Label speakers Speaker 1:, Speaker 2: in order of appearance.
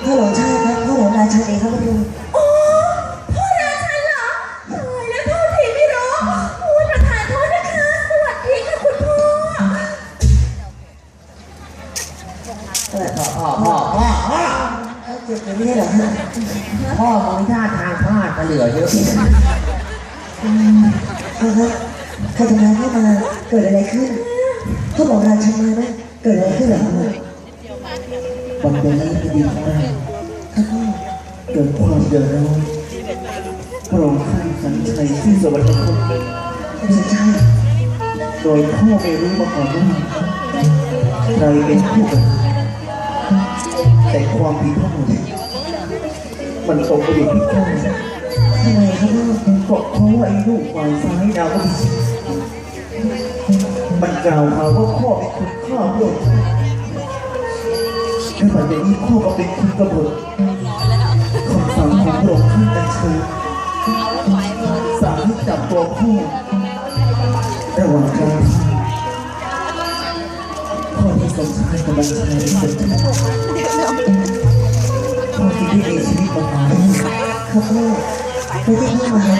Speaker 1: พ่อหลวงชาติครับพ่อหลวงราชันเองครับพระองค์
Speaker 2: โอ้พ่อราชันเหรอตายแล้วโทษทีไม่รู้โอ้ยประธานโทษนะคะสวัสดีค่ะคุณพ่อ
Speaker 1: เขาเจ็บเลยไม่ใช่เหรอฮะ
Speaker 3: พ่อมองท่าทางพลาดมาเหลือเยอะ
Speaker 1: พ่อครับใครทำร้ายพ่อมาเกิดอะไรขึ้นพ่อบอกราชันมาไหมเกิดอะไรขึ้นเหรอครับ
Speaker 3: วันเดือนนี้พอดีมาก
Speaker 1: ครับพ่อ
Speaker 3: เกิดความเดือดร้อนพระองค์ท่านสัญชัยที่สวรรคต
Speaker 1: คุณสัญชัย
Speaker 3: โดยพ่อไม่รู้มาก่อนว่าใครเป็นผู้กระทำแต่ความผิดทั้งหมดมันตกไปอยู่ที่พ่อ
Speaker 1: ทำไมครับพ่อ
Speaker 3: ก็เพราะว่าไอ้ลูกฝ่ายซ้ายดาวมันกล่าวหาว่าพ่อเป็นคนฆ่าพระองค์และหลังจากนี้พ่อก็เป็นคนกบฏคำสั่งของพระองค์ท่านอัญเชิญสั่งให้จับตัวพ่อระหว่างกลางพ่อที่สมชายกำลังชายสนใจพ่อที่ได้มีชีวิตมาหา
Speaker 1: ครับพ่อไม่ใช่พ่อมาหา